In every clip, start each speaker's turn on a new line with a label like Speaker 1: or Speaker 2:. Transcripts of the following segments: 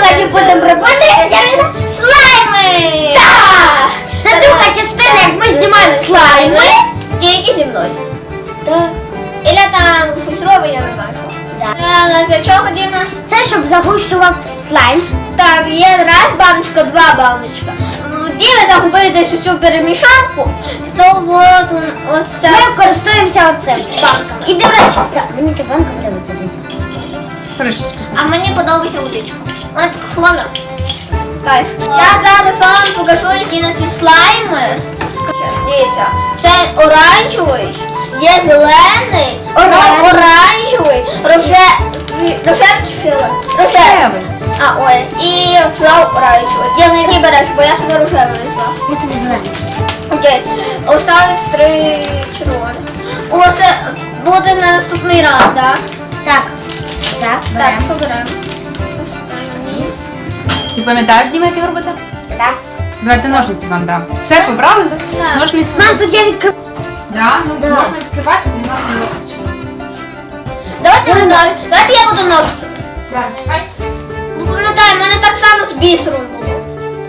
Speaker 1: сьогодні будемо робити, Ярина, слайми! Так! Це друга частина, як ми знімаємо слайми.
Speaker 2: Тільки зі мною.
Speaker 1: Так.
Speaker 2: Іля там щось робить, я не знаю, що. Для чого, Діма?
Speaker 1: Це щоб загущував слайм.
Speaker 2: Так, є раз баночка, два баночка. Діма загубив десь усю перемішанку, то от ось ця
Speaker 1: Ми користуємося оцим.
Speaker 2: банками.
Speaker 1: І до речі, мені ця банка подобається.
Speaker 2: А мені подобається водичка. Вона така холодна. Кайф. Я зараз вам покажу, які у нас є слайми. Дивіться, це оранжевий, є зелений, оранжевий, рожевий чи фіолетовий? Рожевий. А, ой, і взяв оранжевий. Дім, який береш, бо я собі рожевий візьму.
Speaker 1: Я собі зелений.
Speaker 2: Окей, осталось 3 червоні. Оце буде на наступний раз, так?
Speaker 1: Так. Так,
Speaker 2: Так,
Speaker 1: беремо.
Speaker 2: що беремо? Останній.
Speaker 3: Ти пам'ятаєш, Діма, як його робити?
Speaker 1: Так.
Speaker 3: Давайте ножниці вам дам. Все побрали, так?
Speaker 2: Так.
Speaker 3: Ножниці.
Speaker 1: Нам тут є відкрив.
Speaker 3: Да? Ну,
Speaker 1: Да.
Speaker 3: можна відкривати, але нам ножниці ще не
Speaker 2: Давайте я буду ножицями.
Speaker 3: Так, чекай.
Speaker 2: Ну, пам'ятаю, в мене так само з бісером було.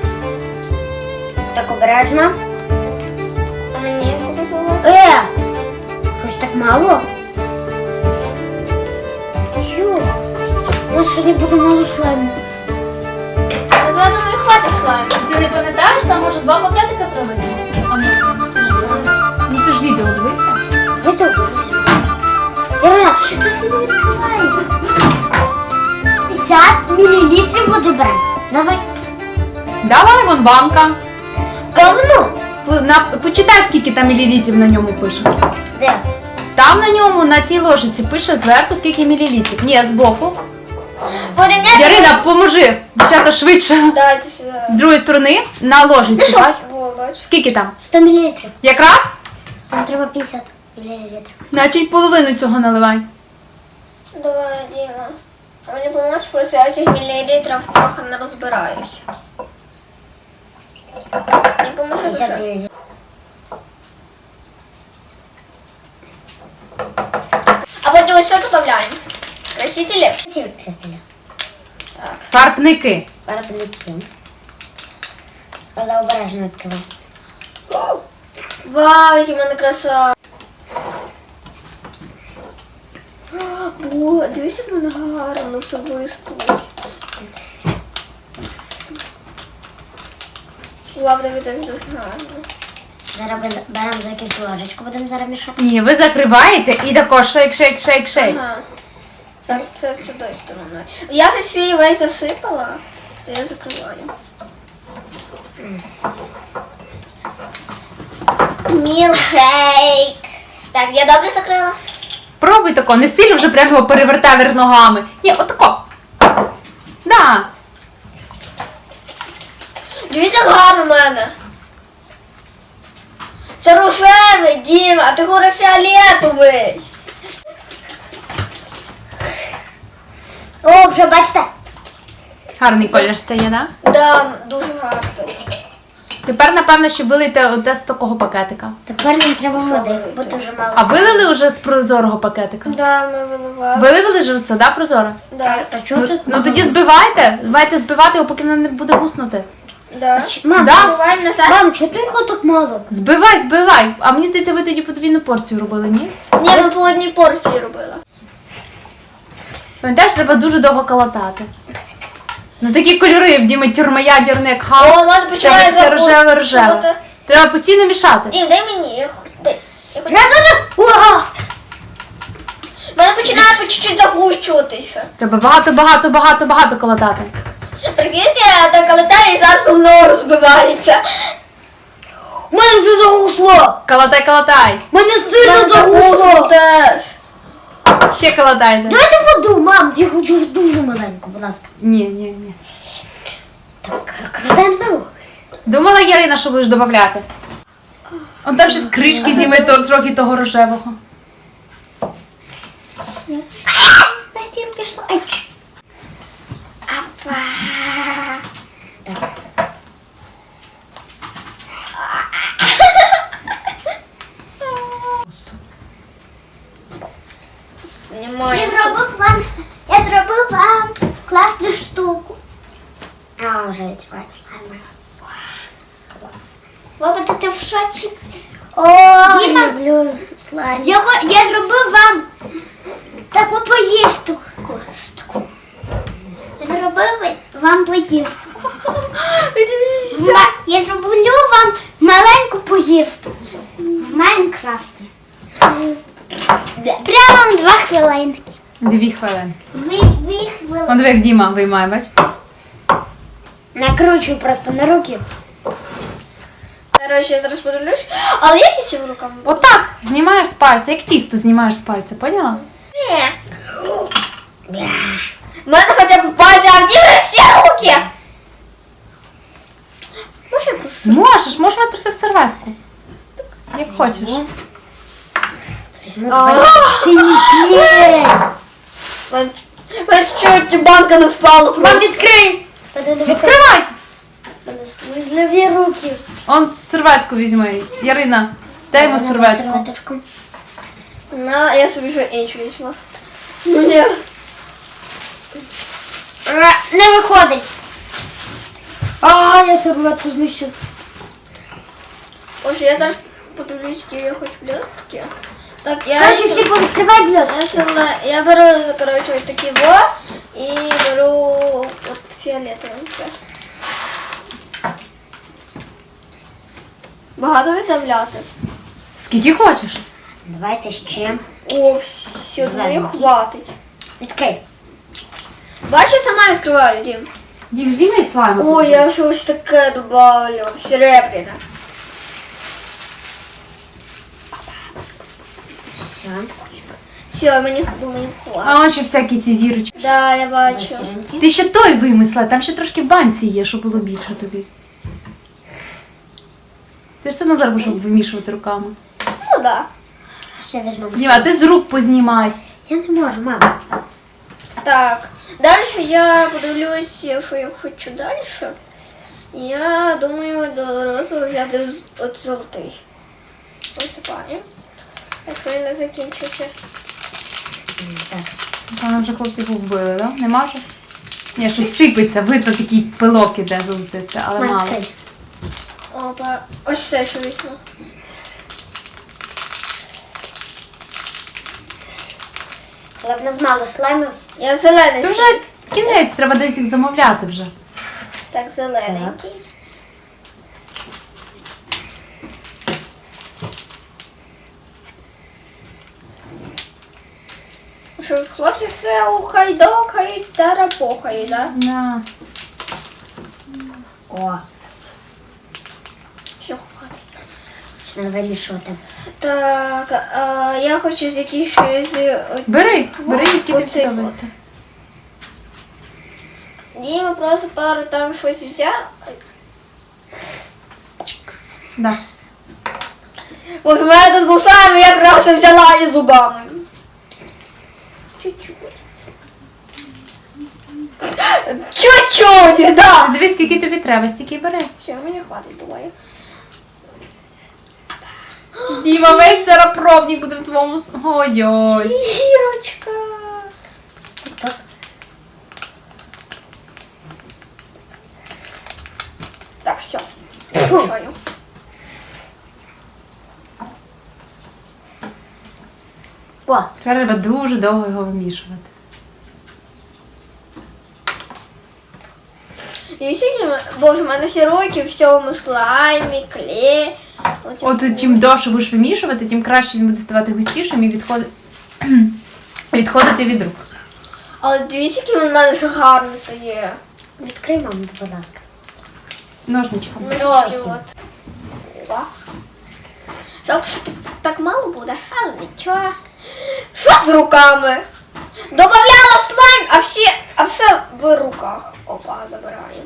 Speaker 1: Так, обережно.
Speaker 2: А мені повезло.
Speaker 1: Щось так мало. Йо. У нас сьогодні буде мало слайму.
Speaker 2: Ну, я думаю, хватить слайму.
Speaker 3: Ти не пам'ятаєш, там може 2 пакетика треба? А ні, не знаю. Ну ти ж відео дивився?
Speaker 1: Витягнувся. Ярина, ти собі не відкривай. 50 мл води беремо. Давай.
Speaker 3: Давай, вон банка.
Speaker 1: Говно.
Speaker 3: Почитай, скільки там мілілітрів на ньому пише.
Speaker 1: Де?
Speaker 3: Там на ньому, на цій ложиці пише зверху, скільки мілілітрів. Ні, збоку.
Speaker 2: Порівняти.
Speaker 3: Ярина, поможи. Дівчата, швидше.
Speaker 2: Дайте сюди.
Speaker 3: З другої сторони, на ложиці, бач?
Speaker 2: Во, бач.
Speaker 3: Скільки там?
Speaker 1: 100 мл.
Speaker 3: Якраз?
Speaker 1: Там треба 50 мл.
Speaker 3: Значить, половину цього наливай.
Speaker 2: Давай, Діма. А мені поможеш, просто я цих мілілітрів трохи не розбираюсь. Не поможи
Speaker 1: 50
Speaker 2: дуже.
Speaker 1: мл.
Speaker 2: А потім ось що додаємо? Красителі?
Speaker 1: Всі відкриття.
Speaker 3: Фарбники.
Speaker 1: Парапліки. Але обережно відкривай.
Speaker 2: Вау, який в мене краса. Бо, дивись, як в мене гарно все вистусь. Вау, Давид, це дуже гарно.
Speaker 1: Зараз беремо за якусь ложечку, будемо зараз мішати.
Speaker 3: Ні, ви закриваєте і тако шейк.
Speaker 2: Ага. Так, це сюди стороною. Я вже свій весь засипала, то я закриваю. Мілкшейк. Так, я добре закрила?
Speaker 3: Пробуй тако, не сильно вже прямо його перевертай вверх ногами. Ні, отако. Да.
Speaker 2: Дивіться, як гарно в мене. Це рожевий, Діма, а ти говори фіолетовий.
Speaker 1: О, вже бачите.
Speaker 3: Гарний колір стає, да?
Speaker 2: Да, дуже гарно.
Speaker 3: Тепер, напевно, що вилийте оте з такого пакетика.
Speaker 1: Тепер нам треба води,
Speaker 2: вилити?
Speaker 1: бо дуже мало.
Speaker 3: А вилили вже з прозорого пакетика?
Speaker 2: Да, ми виливали.
Speaker 3: Вилили ж це, да, прозоро?
Speaker 2: Да,
Speaker 1: А чого тут?
Speaker 3: Ну тоді збивайте. Давайте збивати його, поки воно не буде гуснути.
Speaker 2: да.
Speaker 1: Мам,
Speaker 3: Да.
Speaker 2: Збиваємо назад.
Speaker 1: Мам, чого тут його так мало?
Speaker 3: Збивай. А мені здається, ви тоді подвійну порцію робили, ні?
Speaker 2: Ні, ми по одній порції робили.
Speaker 3: Пам'ятаєш, треба дуже довго калатати. Ну такі кольори, в Діми тюрмоядерник, хаос.
Speaker 2: О, мене починає
Speaker 3: Це рожеве.
Speaker 2: запустити.
Speaker 3: Треба постійно мішати.
Speaker 2: Дім, дай мені. Я хочу.
Speaker 1: Ура!
Speaker 2: Мене починає по чуть-чуть загущуватися.
Speaker 3: Треба багато калатати.
Speaker 2: Прикиньте, я так летаю і зараз воно розбивається.
Speaker 1: У мене вже загусло!
Speaker 3: Калатай.
Speaker 1: Мене сильно загусло!
Speaker 2: теж.
Speaker 3: Ще калатайте.
Speaker 1: Давайте воду, мам, я хочу дуже маленьку, будь ласка.
Speaker 3: Ні.
Speaker 1: Так, кладаємо знову.
Speaker 3: Думала, Ярина, що будеш додавати? Он там ще з кришки зніме трохи того рожевого.
Speaker 1: На стіл пішло. Ай.
Speaker 2: Апа.
Speaker 1: Так.
Speaker 2: Знімається.
Speaker 1: Я зробив вам класну штуку. вже відчуваю слайми. Клас. Баба, ти в шоці? О, люблю слайм. Я зробив вам таку поїздку. Зробив вам поїздку. Я зроблю вам маленьку поїздку в Майнкрафті. Прямо 2 хвилинки.
Speaker 3: 2 хвилини.
Speaker 1: 2 хвилини.
Speaker 3: Он диви, як Діма виймає, бач?
Speaker 1: Накручую просто на руки.
Speaker 2: Короче, я зараз подивлюсь. Але як цим руками?
Speaker 3: Отак знімаєш з пальця, як тісто знімаєш з пальця, поняла?
Speaker 2: У мене хоча б пальці, а в Діми всі руки. Може я просто...
Speaker 3: Можеш витрати в серветку. Як хочеш.
Speaker 2: Мене чуть банка не впала.
Speaker 3: Вам відкрий! Відкривай!
Speaker 1: Слизливі руки.
Speaker 3: Он серветку візьми. Ярина, дай йому серветку.
Speaker 2: На, я собі ще іншу візьму. Ну ні.
Speaker 1: Не виходить. Я серветку знищив.
Speaker 2: Боже, я зараз подивлюсь, які я хочу блістки. Так,
Speaker 1: Короче, всі повідкривай блюз.
Speaker 2: я беру, короче, ось такі во і беру от фіолетовеньке. Багато віддавляти.
Speaker 3: Скільки хочеш?
Speaker 1: Давайте ще.
Speaker 2: О, все, думаю, хватить.
Speaker 1: Відкрий.
Speaker 2: Бачиш, я сама відкриваю, Дім.
Speaker 3: Їх зніми слайму.
Speaker 2: О, я щось таке добавлю. Серебряне.
Speaker 1: Все.
Speaker 2: Все, мені, думаю, хватить.
Speaker 3: А он ще всякі ці зірочки.
Speaker 2: Да, я бачу.
Speaker 3: Ти ще той вимисла, там ще трошки в банці є, щоб було більше тобі. Ти ж все одно зараз будеш вимішувати руками.
Speaker 2: Ну, да.
Speaker 1: Ще візьмемо.
Speaker 3: Діма, ти з рук познімай.
Speaker 1: Я не можу, мама.
Speaker 2: Так, далі я подивлюсь, що я хочу далі. Я думаю, до розового взяти от золотий. Висипаємо. Якщо він не закінчився.
Speaker 1: Так.
Speaker 3: Там вже хлопці вбили, да? Нема вже? Ні, щось сипеться, видно такий пилок іде золотисте, але мало.
Speaker 1: Відкрий.
Speaker 2: Опа, ось це що візьму.
Speaker 1: Але в нас мало слаймів.
Speaker 2: Я зелений.
Speaker 3: Це вже кінець, треба десь їх замовляти вже.
Speaker 2: Так, зелененький. Що, хлопці все ухайдокають та рапохають, да?
Speaker 3: Да.
Speaker 1: О,
Speaker 2: Все, хватить.
Speaker 1: треба вирішувати.
Speaker 2: Так, я хочу з якихось...
Speaker 3: Бери, які тобі
Speaker 2: оцей
Speaker 3: подобаються.
Speaker 2: Діма просто пару там щось взяв.
Speaker 3: Да.
Speaker 2: Боже, в мене тут був слайм, я просто взяла і зубами. Чуть-чуть. Чуть-чуть, да.
Speaker 3: Дивись, скільки тобі треба, стільки бери.
Speaker 2: Все, мені хватить, думаю.
Speaker 3: Діма, весь зараз пробник буде в твоєму... Ой-ой.
Speaker 2: Зірочка.
Speaker 1: Так.
Speaker 2: Так, все. Мішаю.
Speaker 1: О,
Speaker 3: Тепер треба дуже довго його вимішувати.
Speaker 2: І всі, боже, в мене всі руки в всьому слаймі, клей.
Speaker 3: От чим довше будеш вимішувати, тим краще він буде ставати густішим і відходити від рук.
Speaker 2: Але дивіться, який він в мене ж гарний стає.
Speaker 1: відкрий, мама, будь ласка.
Speaker 3: Ножничком.
Speaker 2: Ножки от. О. Жалко, що так мало буде, але нічого. Що з руками? Добавляла слайм, а все в руках. Опа, забираємо.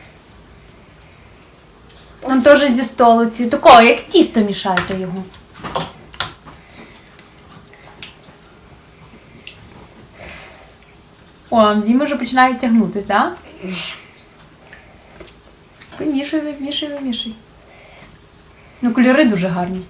Speaker 3: Там теж зі столу ці. Такого, як тісто мішайте його. О, Діма вже починає тягнутись, так? Да? Вимішуй, вимішуй, вимішуй. Ну, кольори дуже гарні.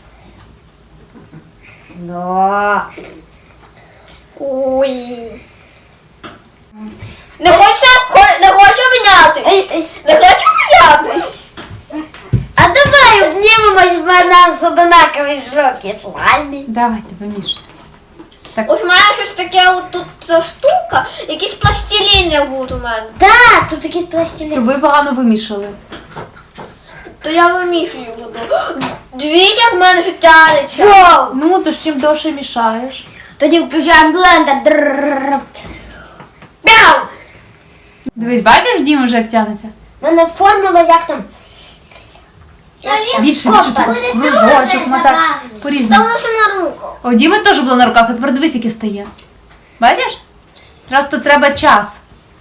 Speaker 1: Да.
Speaker 2: Ой. Не хочу помінятись? Не хочу помінятись.
Speaker 1: А давай обнімемось, в мене з одинакові широкі слаймі.
Speaker 3: Давайте, вимішуйте.
Speaker 2: Ось у мене щось таке, от тут ця штука, якісь пластиліни будуть у мене.
Speaker 1: Так, тут якісь
Speaker 3: То
Speaker 1: пластиліни.
Speaker 3: ви погано вимішали.
Speaker 2: То я вимішую буду. Дивіться, як в мене вже тянеться.
Speaker 1: Вау!
Speaker 3: Ну, то ж чим довше мішаєш.
Speaker 1: Тоді включаємо блендер. Дрррррр. Бяу!
Speaker 3: Дивись, бачиш, Діма вже як тягнеться?
Speaker 1: У мене формула як там.
Speaker 3: Більше
Speaker 1: Копа.
Speaker 3: так кружочок, мотак,
Speaker 2: Та
Speaker 3: по-різному.
Speaker 2: воно все на руку.
Speaker 3: О, Діма теж було на руках, а тепер дивись, яке стає. Бачиш? Раз тут треба час.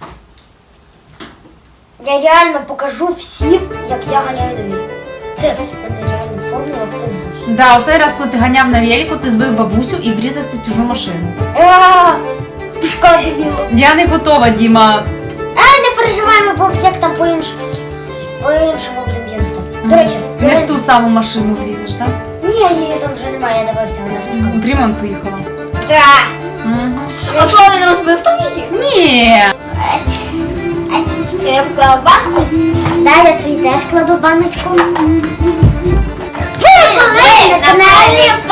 Speaker 1: Я реально покажу всім, як я ганяю на вілі. Це в мене реально формула конкурсу.
Speaker 3: Да, оцей раз, коли ти ганяв на велику, ти збив бабусю і врізався в чужу машину.
Speaker 1: Пішка дебіла.
Speaker 3: Я не готова, Діма.
Speaker 1: Не переживаємо, бо як там по-іншому будемо їздити. До речі,
Speaker 3: Не в ту саму машину влізеш, так?
Speaker 1: ні, її там вже немає, я дивився, вона втекла.
Speaker 3: В ремонт поїхала.
Speaker 1: Так.
Speaker 3: Угу.
Speaker 2: А що він розбив там її?
Speaker 3: Ні.
Speaker 2: Це я вклала банку.
Speaker 1: Да, я свій теж кладу баночку. Ви були на каналі